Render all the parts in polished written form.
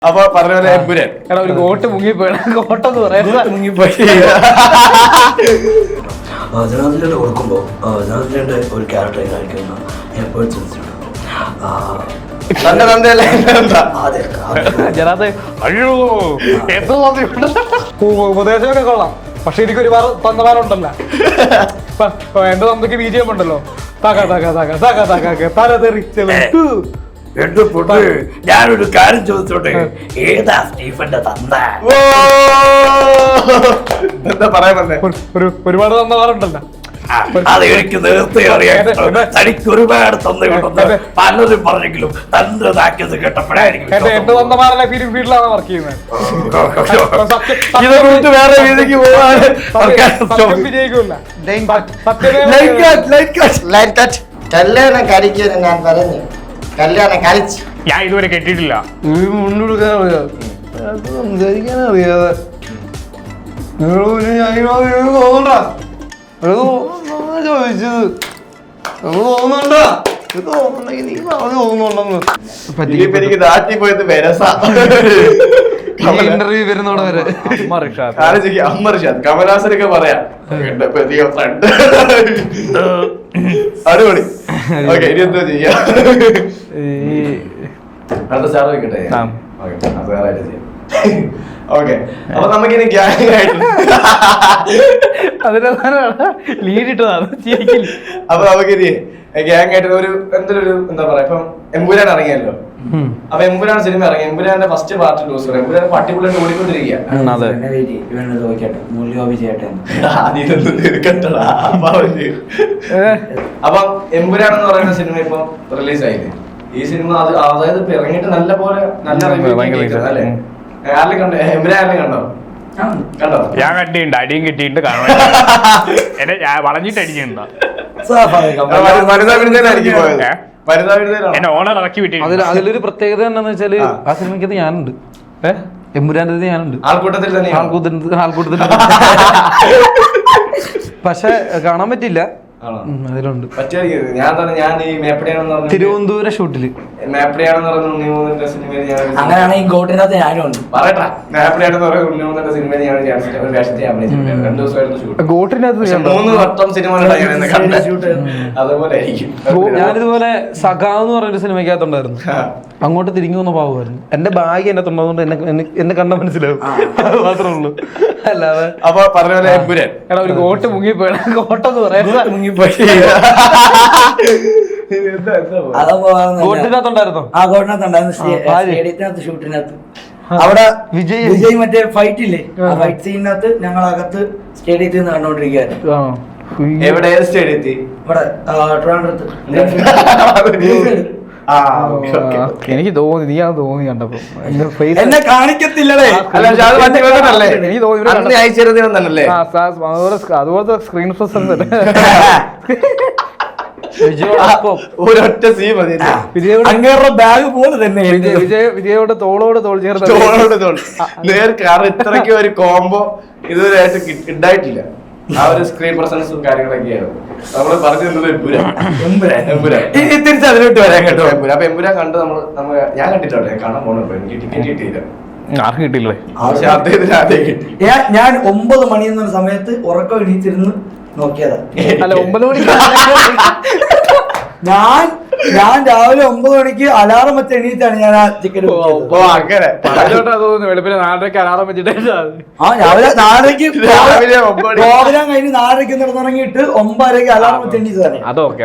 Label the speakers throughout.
Speaker 1: അപ്പൊ പറഞ്ഞ പോലെ എമ്പുരാൻ
Speaker 2: ഒരു ഗോട്ട് മുങ്ങിപ്പോയി ഗോട്ടെന്ന് പറയാം
Speaker 1: മുങ്ങിപ്പോയി.
Speaker 3: ജനാധിപത്യം കൊടുക്കുമ്പോൾ ജനാധിപത്യന്റെ ഒരു ക്യാരക്ടറെ കാണിക്കുന്ന
Speaker 1: തന്റെ തന്തയല്ലേ
Speaker 2: ഉപദേശമൊക്കെ കൊള്ളാം. പക്ഷെ എനിക്ക് ഒരുപാട് തന്നമാരുണ്ടല്ലോ. എന്റെ തന്തയ്ക്ക് ബിജിഎം ഉണ്ടല്ലോ, തല തെറിച്ചു.
Speaker 3: ഞാനൊരു കാര്യം ചോദിച്ചോട്ടെ, ഏതാ സ്റ്റീഫന്റെ തന്ത?
Speaker 1: എന്താ പറയാൻ വന്നേ?
Speaker 2: ഒരുപാട് തന്നമാരുണ്ടല്ലോ.
Speaker 3: അത് എനിക്ക് നേരത്തെ അറിയാം. തനിക്ക് ഒരുപാട് തന്തയുണ്ടെന്ന് പലരും പറഞ്ഞെങ്കിലും തന്റെ നാക്കിയത് കേട്ടപ്പോഴായിരിക്കും
Speaker 2: എന്റെ തന്നമാരല്ല ഫീൽഡിലാണ് വർക്ക് ചെയ്യുന്നത്.
Speaker 1: വേറെ രീതിക്ക് പോവാണ്.
Speaker 2: വിജയിക്കൂല.
Speaker 4: കല്യാണം കഴിക്കാൻ ഞാൻ പറഞ്ഞു. കല്യാണം കഴിച്ച്
Speaker 2: ഞാൻ ഇതുവരെ കെട്ടിയിട്ടില്ല.
Speaker 4: സംസാരിക്കാൻ അറിയാതെ ചോദിച്ചത് തോന്നുന്നുണ്ടോ? തോന്നുന്നുണ്ടെങ്കിൽ നീ പറഞ്ഞു തോന്നുന്നുണ്ടെന്ന്.
Speaker 1: എനിക്ക് നാട്ടിൽ പോയത് വെരസ
Speaker 4: ഇന്റർവ്യൂ വരുന്നോടെ വരെ
Speaker 1: അമ്മ റിഷാദ് കമലാസനൊക്കെ പറയാം ഫ്രണ്ട് അടിപൊളി. ഓക്കെ, ഇനി എന്തോ ചെയ്യാം? അടുത്ത സ്റ്റാർ വെക്കട്ടെ? ഓക്കെ, അപ്പൊ നമുക്കിനി ഗ്യാങ് ആയിട്ട്
Speaker 2: ലീഡിട്ടതാണ്.
Speaker 1: അപ്പൊ നമുക്കിനി ഗ്യാങ് ആയിട്ട് ഒരു എന്തൊരു എന്താ പറയാ, ഇപ്പം എമ്പുരാൻ ഇറങ്ങിയല്ലോ. അപ്പൊ എമ്പുരാൻ സിനിമ ഇറങ്ങി. എമ്പുരാന്റെ ഫസ്റ്റ് പാർട്ട് ലൂസർ. എമ്പുരാൻ പട്ടിപ്പുള്ളിട്ട് ഓടിക്കൊണ്ടിരിക്കുക. അപ്പം എമ്പുരാൻ എന്ന് പറയുന്ന സിനിമ ഇപ്പൊ റിലീസ് ആയില്ലേ? ഈ സിനിമ അതായത് ഇപ്പൊ ഇറങ്ങിയിട്ട് നല്ല പോലെ നല്ല അല്ലേ? ആരെങ്കിലും കണ്ടോ? എമ്പുരാൻ ആരെങ്കിലും കണ്ടോ? കണ്ടോ?
Speaker 2: ഞാൻ കണ്ടിട്ടുണ്ട്, അടിയും കിട്ടിയിട്ട് കാണാൻ എന്നെ വളഞ്ഞിട്ട് അടിച്ചിട്ടുണ്ടോ? എന്നെ ഓണർ ഇറക്കി വിട്ടിട്ടുണ്ട്.
Speaker 4: അതിലൊരു പ്രത്യേകത എന്താണെന്ന് വെച്ചാല് ആ സിനിമയ്ക്കകത്ത് ഞാനുണ്ട്. എമ്പുരാന്റെ ഞാനുണ്ട്
Speaker 1: ആൾക്കൂട്ടത്തിൽ തന്നെ.
Speaker 4: ആൾക്കൂട്ടത്തിൽ പക്ഷെ കാണാൻ പറ്റില്ല. അതിലുണ്ട്.
Speaker 1: ഞാൻ ഈ മേപ്പടിയാണെന്ന് പറഞ്ഞു
Speaker 4: തിരുവനന്തപുരം ഷൂട്ടില്
Speaker 1: മേപ്പടിയാണെന്ന് പറഞ്ഞ ഉണ്ണിമൂന്നിന്റെ സിനിമയിൽ ഞാൻ
Speaker 3: അങ്ങനെയാണെങ്കിൽ ഗോട്ടിനകത്ത് ഞാനും ഉണ്ട്.
Speaker 1: പറയട്ടാ. മേപ്പടിയാണെന്ന് പറഞ്ഞ ഉണ്ണിമൂന്നിന്റെ സിനിമയിൽ ഞാൻ ഒരു വേഷത്തെ അഭിനയിച്ചിട്ടുണ്ട്. 2 ദിവസമായിരുന്നു ഷൂട്ട്.
Speaker 2: ഗോട്ടിനകത്ത്
Speaker 1: 3 വട്ടം സിനിമ അതുപോലെ ആയിരിക്കും.
Speaker 4: ഞാനിതുപോലെ സഖാവ് എന്ന് പറഞ്ഞൊരു സിനിമയ്ക്കകത്തുണ്ടായിരുന്നു. അങ്ങോട്ട് തിരിഞ്ഞു വന്ന പാവുമായിരുന്നു. എന്റെ ബാഗ് എന്നെ തൊണ്ടതുകൊണ്ട് എന്നെ കണ്ട മനസ്സിലാവും. അത് മാത്രമേ ഉള്ളൂ. അല്ലാതെ
Speaker 1: അപ്പൊ പറഞ്ഞ പോലെ എമ്പുരാൻ
Speaker 2: ഒരു ഗോട്ട് മുങ്ങിപ്പോയി ഗോട്ടെന്ന് പറയാം
Speaker 4: ഗോട്ടിനകത്തുണ്ടായിരുന്നോ?
Speaker 3: ആ ഗോട്ടിനകത്തുണ്ടായിരുന്നു. സ്റ്റേഡിയത്തിനകത്ത് ഷൂട്ടിനകത്ത് അവിടെ വിജയ് മറ്റേ ഫൈറ്റ് ഇല്ലേ, ആ ഫൈറ്റ് സീനിനകത്ത് ഞങ്ങൾ അകത്ത് സ്റ്റേഡിയത്തിൽ നിന്ന് കണ്ടോണ്ടിരിക്കുകയായിരുന്നു.
Speaker 1: എവിടെ? ഏത് സ്റ്റേഡിയത്തിൽ?
Speaker 3: ഇവിടെ ട്രിവാൻഡ്രത്ത്.
Speaker 2: എനിക്ക് തോന്നി, നീ അത് തോന്നി കണ്ടപ്പോ.
Speaker 1: എന്നെ കാണിക്കത്തില്ലേ?
Speaker 2: എനിക്ക് തോന്നി അതുപോലത്തെ സ്ക്രീൻ
Speaker 1: ഒരൊറ്റ സീൻ മതി.
Speaker 3: അങ്ങേരുടെ ബാഗ് പോലെ തന്നെ
Speaker 2: വിജയോട് തോളോട് തോൾ ചേർത്ത്
Speaker 1: കാരണം ഇത്രയ്ക്ക് ഒരു കോംബോ ഇതുവരെയായിട്ട് ഉണ്ടായിട്ടില്ല. ആ ഒരു സ്ക്രീൻ പ്രസൻസും കാര്യങ്ങളൊക്കെയായിരുന്നു നമ്മള് പറഞ്ഞു തന്നത്. തിരിച്ച് അതിലോട്ട് വരാൻ കേട്ടോ. അപ്പൊ എമ്പുരാൻ കണ്ട് ഞാൻ കണ്ടിട്ടോ, കാണാൻ പോണോ? എനിക്ക് ടിക്കറ്റ് കിട്ടിയില്ല.
Speaker 2: ആർക്കും കിട്ടില്ലേ?
Speaker 1: പക്ഷെ അദ്ദേഹത്തിന് ആദ്യം കിട്ടി.
Speaker 3: ഞാൻ 9 മണി എന്നൊരു സമയത്ത് ഉറക്കം എണീറ്റിരുന്ന് നോക്കിയതാ.
Speaker 2: അല്ല, 9 മണിക്ക്
Speaker 3: ഞാൻ രാവിലെ 9 മണിക്ക് അലാറം വെച്ച് എണീറ്റാണ് ഞാൻ ആ ടിക്കറ്റ്.
Speaker 1: അങ്ങനെ
Speaker 2: തോന്നുന്നു. വെളുപ്പിന് 4:30 അലാറം വെച്ചിട്ട്
Speaker 3: രാവിലെ 4:30 പ്രോഗ്രാം കഴിഞ്ഞ് 4:30 നടന്നിറങ്ങിയിട്ട് 9:30 അലാറം വെച്ച് എണീറ്റതാണ്.
Speaker 2: അതൊക്കെ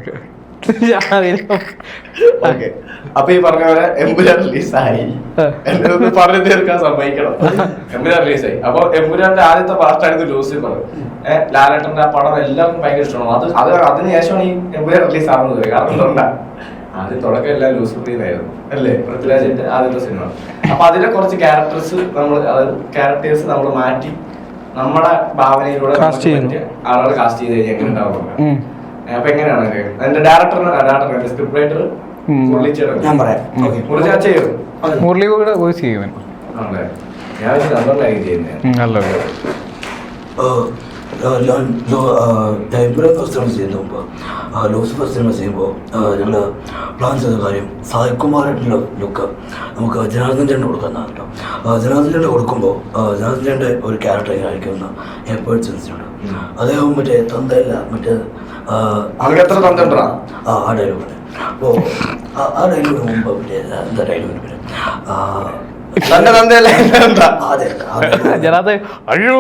Speaker 1: അപ്പൊ ഈ പറഞ്ഞ പോലെ എമ്പുരാൻ റിലീസായി. എന്നൊന്ന് പറഞ്ഞു തീർക്കാൻ സമ്മതിക്കണം. എമ്പുരാൻ റിലീസായി. അപ്പൊ എമ്പുരാന്റെ ആദ്യത്തെ പാർട്ടായിരുന്നു ലൂസിഫർ. ലാലേട്ടന്റെ ആ പടം എല്ലാവർക്കും ഭയങ്കര ഇഷ്ടമാണ്. അതിനുശേഷമാണ് ഈ എമ്പുരാൻ റിലീസ് ആവുന്നത്. കാരണം എന്താ, ആദ്യം തുടക്കം എല്ലാം ലൂസിഫറിനായിരുന്നു അല്ലേ? പൃഥ്വിരാജിന്റെ ആദ്യത്തെ സിനിമ. അപ്പൊ അതിലെ കുറച്ച് ക്യാരക്ടേഴ്സ് നമ്മൾ മാറ്റി നമ്മുടെ ഭാവനയിലൂടെ ആളുകൾ കാസ്റ്റ് ചെയ്ത് കഴിഞ്ഞാൽ എങ്ങനെ ഉണ്ടാവും? അപ്പൊ എങ്ങനെയാണ് അതിന്റെ ഡയറക്ടർ സ്ക്രിപ്റ്റ് റൈറ്റർ
Speaker 3: ഞാൻ പറയാം.
Speaker 2: മുരളി കൂടെ വോയിസ് ചെയ്യും.
Speaker 3: ടൈംപുരം സിനിമ ചെയ്യുന്ന മുമ്പ് ലൂസിഫർ സിനിമ ചെയ്യുമ്പോൾ ഞങ്ങൾ പ്ലാൻ ചെയ്ത കാര്യം സായികുമാറായിട്ടുള്ള ലുക്ക് നമുക്ക് ജനാർദ്ദൻ ചേട്ടൻ കൊടുക്കുന്നതാണ് കേട്ടോ. ജനാർദ്ദൻ ചേട്ടൻ കൊടുക്കുമ്പോൾ ജനാർദ്ദൻ ചേട്ടൻ്റെ ഒരു ക്യാരക്ടർ ആയിരിക്കുന്ന എപ്പോഴും സെൻസിനുണ്ട്. അദ്ദേഹം മറ്റേ തന്തയില്ല മറ്റേ ആ ഡയലോഗാണ്. അപ്പോൾ ആ ഡയലോഗിന് മുമ്പ് മറ്റേ എന്താ ഡയലോഗിന് പേര്
Speaker 1: തന്റെ തന്തയല്ല
Speaker 3: അതെ
Speaker 4: അയ്യോ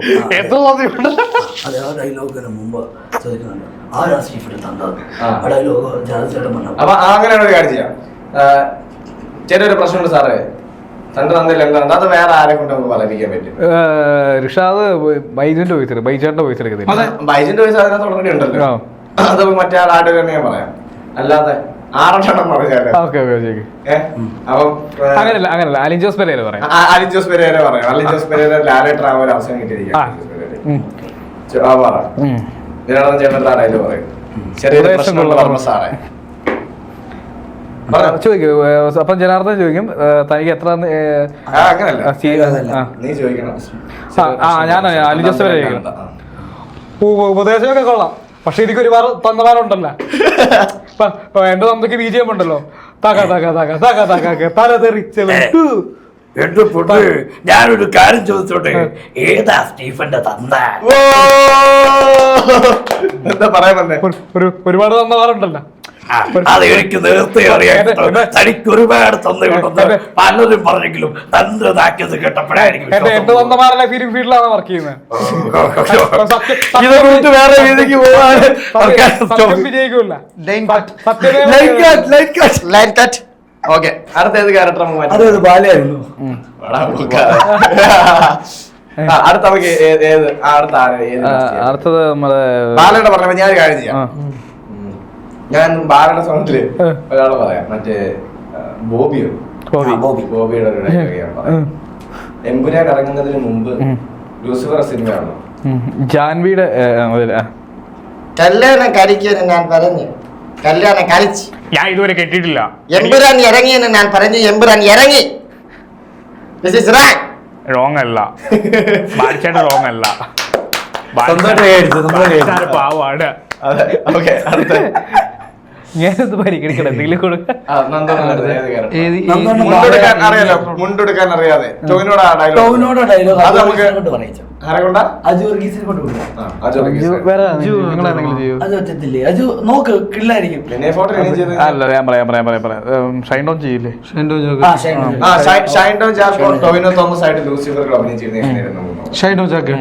Speaker 3: അതെ ആ ഡയലോഗിന് മുമ്പ് ചോദിക്കുന്നുണ്ട് ആരാ സ്റ്റീഫിന്റെ തന്ത. ആ ഡയലോഗ് ജനാർദ്ദൻ ചേട്ടൻ പറഞ്ഞു.
Speaker 1: അപ്പൊ അങ്ങനെയാണ് ഒരു കാര്യം ചെയ്യാം. ചെറിയൊരു പ്രശ്നമുണ്ട് സാറേ, തന്റെ തന്തയില്ല എന്താ അത് വേറെ ആരെ കൊണ്ട് നമുക്ക് പറയിപ്പിക്കാൻ പറ്റും?
Speaker 2: ഋഷാദ് ബൈജുന്റെ വോയിസ് ബൈജാന്റെ വോയിസ് എടുക്കുന്നില്ല.
Speaker 1: അതെ, ബൈജിന്റെ വോയിസ് അതിനകത്ത് ഓൾറെഡി ഉണ്ടല്ലോ. അത് മറ്റേ ആളുടെ തന്നെ ഞാൻ പറയാം, അല്ലാതെ ആറെണ്ണം പറഞ്ഞാല് അപ്പം
Speaker 2: അങ്ങനല്ല അലിൻ ജോസ് പെരേര പറയാം.
Speaker 1: അലിൻ ജോസ് പെരേര പറയാം. അലിൻ ജോസ് പെരേര ലാലേട്ടൻ ആവാൻ ഒരു അവസരം കിട്ടിയിരിക്കാം. ചേട്ടൻ ആരായാലും പറയും ചെറിയൊരു പ്രശ്നമുള്ള പറഞ്ഞ സാറേ
Speaker 2: ചോദിക്കും. അപ്പം ജനാർദ്ദൻ ചോദിക്കും തനിക്ക് എത്ര
Speaker 1: അങ്ങനല്ല നീ ചോദിക്കണം.
Speaker 2: ഞാൻ അലിൻ ജോസ് പെരേര ഉപദേശമൊക്കെ കൊള്ളാം, പക്ഷെ എനിക്ക് ഒരുപാട് തന്നവാനുണ്ടല്ലോ. എന്റെ തന്തയ്ക്ക് BGM ഉണ്ടല്ലോ, തക തക തക തക തക തല തെറിച്ചത്.
Speaker 3: ഞാനൊരു കാര്യം ചോദിച്ചോട്ടെ, ഏതാ സ്റ്റീഫന്റെ തന്ത?
Speaker 1: എന്താ പറയാൻ വന്നേ?
Speaker 2: ഒരുപാട് തന്നവാറുണ്ടല്ലോ.
Speaker 3: അത് എനിക്ക് നേരത്തെ അറിയാം. തനിക്ക് ഒരുപാട് തന്നയുണ്ടെന്ന് പലരും പറഞ്ഞെങ്കിലും തന്ത്രതാക്കിയത് കേട്ടപ്പോഴായിരിക്കും.
Speaker 2: എന്റെ തന്നമാരല്ല ഫിലിം ഫീൽഡിലാണ് വർക്ക് ചെയ്യുന്നത്.
Speaker 1: വേറെ രീതിക്ക്
Speaker 2: വിജയിക്കൂല.
Speaker 1: ഓക്കെ, അടുത്തേത് ക്യാരക്ടർ
Speaker 3: അതൊരു ബാലയായിരുന്നു.
Speaker 1: അടുത്ത നമുക്ക്
Speaker 2: അടുത്തത് നമ്മള്
Speaker 1: ബാലയുടെ പറഞ്ഞ ഞാൻ കാര്യം ചെയ്യാം. ഞാൻ ബാലയുടെ സൗണ്ടില് ഒരാള് പറയാം, മറ്റേ ബോബിയുടെ ഒരു ഡയലോഗാണ്. എമ്പുരാൻ ഇറങ്ങുന്നതിന് മുമ്പ് ലൂസിഫർ സിനിമയാണ്
Speaker 2: ജാൻവിയുടെ
Speaker 5: കല്യാണം കഴിക്കുമെന്ന് ഞാൻ പറഞ്ഞു, കല്യാണം കഴിച്ച്.
Speaker 2: ഞാൻ ഇതുവരെ കേട്ടിട്ടില്ല.
Speaker 5: എമ്പുരാൻ ഇറങ്ങിയെന്ന് ഞാൻ പറഞ്ഞു, എമ്പുരാൻ ഇറങ്ങി. This is wrong.
Speaker 2: റോങ് അല്ല, ബാലിച്ചേട്ടൻ റോങ് അല്ല, പാവാണ്.
Speaker 1: അതെ. ഓക്കെ, അടുത്ത
Speaker 2: ഞാനത് പരിഗണിക്കണം. എന്തെങ്കിലും കൊടുക്കാം.
Speaker 1: അറിയാലോ, മുണ്ടെടുക്കാൻ അറിയാതെ ടോവിനോട്
Speaker 3: ഡയലോഗ്
Speaker 1: അത് നമുക്ക് ആരെ കൊണ്ടാ?
Speaker 3: അജു വർഗീസിനെ കൊണ്ട് കൊടുക്കാം.
Speaker 1: അജു
Speaker 3: അത് പറ്റത്തില്ലേ? അജു നോക്ക് കിള്ളായിരിക്കും.
Speaker 1: പിന്നെ ഫോട്ടോ
Speaker 2: അല്ല, ഞാൻ പറയാം ഷൈൻ ഡൗൺ ചെയ്യില്ലേ?
Speaker 1: ഷൈൻ ഡോൺ ജാക്കോ ടോവിനോ തോമസ് ആയിട്ട് ലൂസിഫറിൽ അഭിനയിച്ചിരുന്നു.
Speaker 4: ഷൈൻ ഡൗൺ ജാക്കോ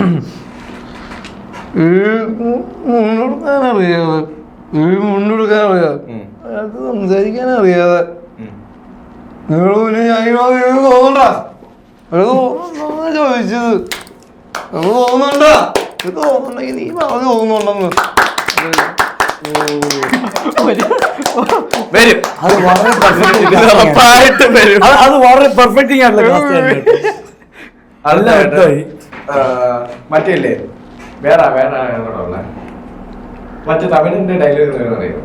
Speaker 4: മുണ്ടെടുക്കാൻ അറിയാതെ, അത് സംസാരിക്കാൻ അറിയാതെ ചോദിച്ചത് തോന്നുന്നുണ്ടോ? തോന്നുന്നുണ്ടെങ്കിൽ നീ പറഞ്ഞു തോന്നുന്നുണ്ടെന്ന്
Speaker 1: വരും.
Speaker 3: അത് വളരെ
Speaker 1: ഉറപ്പായിട്ടും വരും.
Speaker 3: അത് വളരെ പെർഫെക്റ്റിംഗ് ആയിട്ടുള്ള
Speaker 1: മറ്റേ വേറെ മറ്റേ തമിഴിന്റെ ഡയലോഗ് അറിയോ?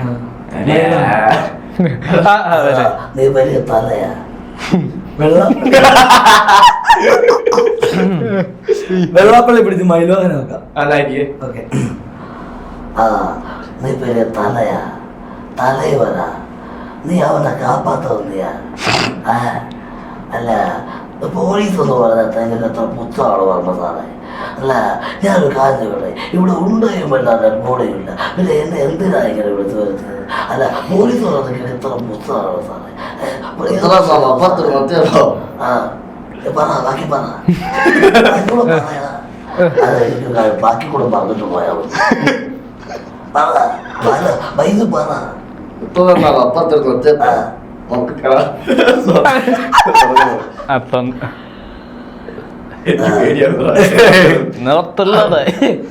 Speaker 3: നീ വലിയ തലയാ വെള്ളാപ്പള്ളി പിടിച്ച് മൈലോഹനെ നോക്കാം. ഓക്കെ. നീ വലിയ തലയാ, തലൈവരാ, നീ അവനെ കാപ്പാത്ത വന്നിയാ. അല്ല, പോലീസ് എന്ന് പറഞ്ഞാൽ നിങ്ങൾക്ക് എത്ര പുച്ഛമാണ് പറഞ്ഞ സാറേ. അല്ല, ഞാനൊരു കാര്യം പറയും, ഇവിടെ ഉണ്ടയും വല്ലാതെ കൂടെയില്ല, പിന്നെ എന്നെ എന്തിനാ ഇങ്ങനെ വിളിച്ചു വരുന്നത്? അല്ല, പോലീസ് പറഞ്ഞാൽ എത്ര പുച്ഛമാണ് സാറേ. പറ, ബാക്കി പറ. ബാക്കി കൂടെ പറഞ്ഞിട്ട് പോയാ വൈകി പറ.
Speaker 4: നിറത്തുള്ളതേ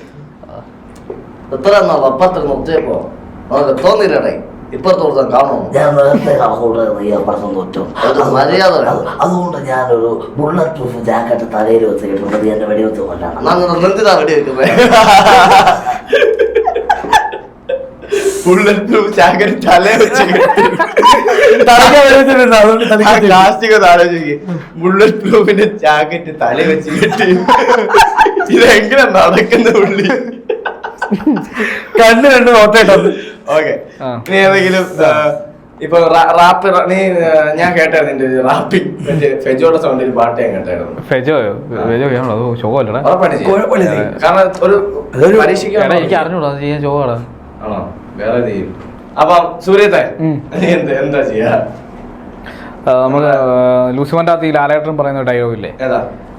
Speaker 5: എത്ര അപ്പത്തിൽ നിർത്തിയപ്പോ നമുക്ക് തോന്നിയില്ലേ ഇപ്പുറത്തോട്ട് കാണും.
Speaker 3: ഞാൻ നേരത്തെ കണക്കൂട്ടും തോറ്റും.
Speaker 5: മര്യാദ.
Speaker 3: അതുകൊണ്ട് ഞാനൊരു ബുള്ളറ്റ് പ്രൂഫ് ജാക്കറ്റ് തലയിൽ വെച്ചിട്ടുണ്ട്. എന്റെ വെടിവെച്ച് കൊല്ലാണ്.
Speaker 5: എന്തിനാ വെടി വെക്കുന്നത്?
Speaker 1: ബുള്ളറ്റ് പ്രൂഫ് ജാക്കറ്റ് തലേ വെച്ച് ബുള്ളറ്റ് പ്രൂഫിന്റെ ജാക്കറ്റ് തല വെച്ച് കെട്ടി ഇതെങ്ങനെ നടക്കുന്ന പുള്ളി.
Speaker 2: കണ്ണ് രണ്ട് നോട്ടായിട്ടത്.
Speaker 1: ഓക്കെ,
Speaker 2: ആ.
Speaker 1: നീ ഏതെങ്കിലും ഇപ്പൊ റാപ്പ് ഞാൻ കേട്ടായിരുന്നു നിന്റെ റാപ്പിംഗ് മറ്റേ ഫെജോയുടെ സൗണ്ടിൽ പാട്ട് ഞാൻ കേട്ടായിരുന്നു.
Speaker 2: ഫെജോയോ? ഫെജോ ചെയ്യണോ? അത് ശോകമല്ലടാ.
Speaker 1: ഉറപ്പായിട്ട് ചെയ്യും. കാരണം ഒരു പരീക്ഷയ്ക്ക്
Speaker 2: എനിക്ക് അറിഞ്ഞൂടാ അത് ചെയ്യാൻ ശോകമാടാ.
Speaker 1: ആണോ? വേറെ ചെയ്യും. അപ്പം സൂര്യത്തെ നീ എന്താ ചെയ്യാ?
Speaker 2: നമുക്ക് ലൂസിഫറിന്റെ അകത്ത് ഈ ലാലേട്ടൻ പറയുന്ന ഡയലോഗ് ഇല്ലേ?
Speaker 1: ഏതാ?